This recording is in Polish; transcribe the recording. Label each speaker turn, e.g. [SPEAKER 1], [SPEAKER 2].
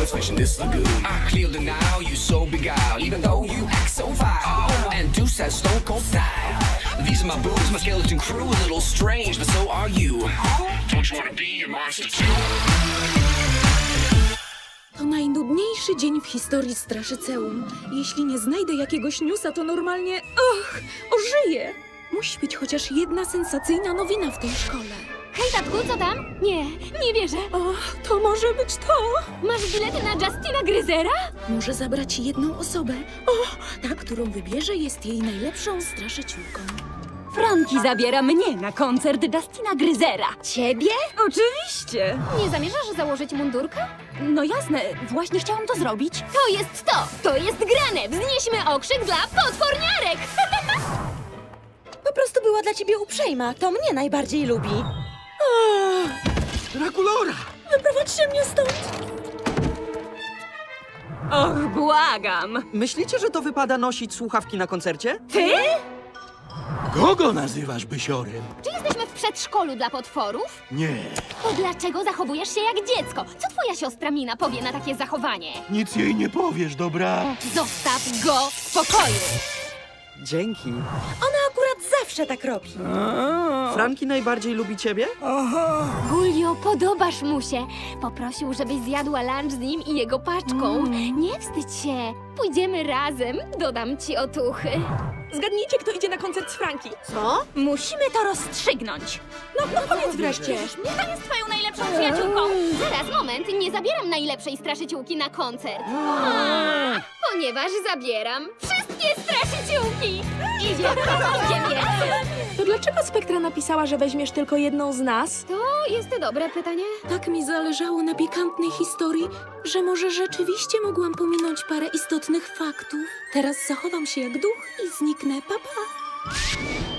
[SPEAKER 1] fishing this lagoon. I clear the Nile, you so beguiled, even though you act so vile. And Deuce has stone cold style. These are my boobs, my skeleton crew, a little strange, but so are you. Don't you wanna be a monster too?
[SPEAKER 2] To najnudniejszy dzień w historii Straszyceum. Jeśli nie znajdę jakiegoś newsa, to normalnie... ożyję! Musi być chociaż jedna sensacyjna nowina w tej szkole.
[SPEAKER 3] Hej, tatku, co tam? Nie wierzę.
[SPEAKER 2] O, to może być to!
[SPEAKER 3] Masz bilety na Justina Gryzera?
[SPEAKER 2] Może zabrać jedną osobę. O, ta, którą wybierze, jest jej najlepszą straszyciółką.
[SPEAKER 4] Franki zabiera mnie na koncert Justina Gryzera.
[SPEAKER 3] Ciebie?
[SPEAKER 4] Oczywiście.
[SPEAKER 3] Nie zamierzasz założyć mundurka?
[SPEAKER 4] No jasne, właśnie chciałam to zrobić.
[SPEAKER 3] To jest to! To jest grane! Wznieśmy okrzyk dla potworniarek!
[SPEAKER 5] Po prostu była dla ciebie uprzejma. To mnie najbardziej lubi.
[SPEAKER 6] Drakulora!
[SPEAKER 2] Wyprowadźcie mnie stąd!
[SPEAKER 4] Och, błagam.
[SPEAKER 6] Myślicie, że to wypada nosić słuchawki na koncercie?
[SPEAKER 4] Ty?
[SPEAKER 6] Kogo nazywasz bysiorem?
[SPEAKER 3] Czy jesteśmy w przedszkolu dla potworów?
[SPEAKER 6] Nie,
[SPEAKER 3] To dlaczego zachowujesz się jak dziecko? Co twoja siostra Mina powie na takie zachowanie?
[SPEAKER 6] nic jej nie powiesz, dobra?
[SPEAKER 3] Zostaw go w spokoju!
[SPEAKER 6] Dzięki.
[SPEAKER 5] Ona akurat zawsze tak robi.
[SPEAKER 6] Franki najbardziej lubi ciebie?
[SPEAKER 3] Gulio, podobasz mu się. Poprosił, żebyś zjadła lunch z nim i jego paczką. Nie wstydź się. Pójdziemy razem. Dodam ci otuchy.
[SPEAKER 2] Zgadnijcie, kto idzie na koncert z Franki.
[SPEAKER 5] Co?
[SPEAKER 4] Musimy to rozstrzygnąć.
[SPEAKER 2] No powiedz wreszcie.
[SPEAKER 3] Kto jest twoją najlepszą przyjaciółką? Zaraz, moment. Nie zabieram najlepszej straszyciółki na koncert. Ponieważ zabieram wszystkie straszyciółki. Idziemy.
[SPEAKER 2] To dlaczego Spektra napisała, że weźmiesz tylko jedną z nas?
[SPEAKER 3] To jest dobre pytanie.
[SPEAKER 2] Tak mi zależało na pikantnej historii, że może rzeczywiście mogłam pominąć parę istotnych faktów. Teraz zachowam się jak duch i zniknę. Pa, pa.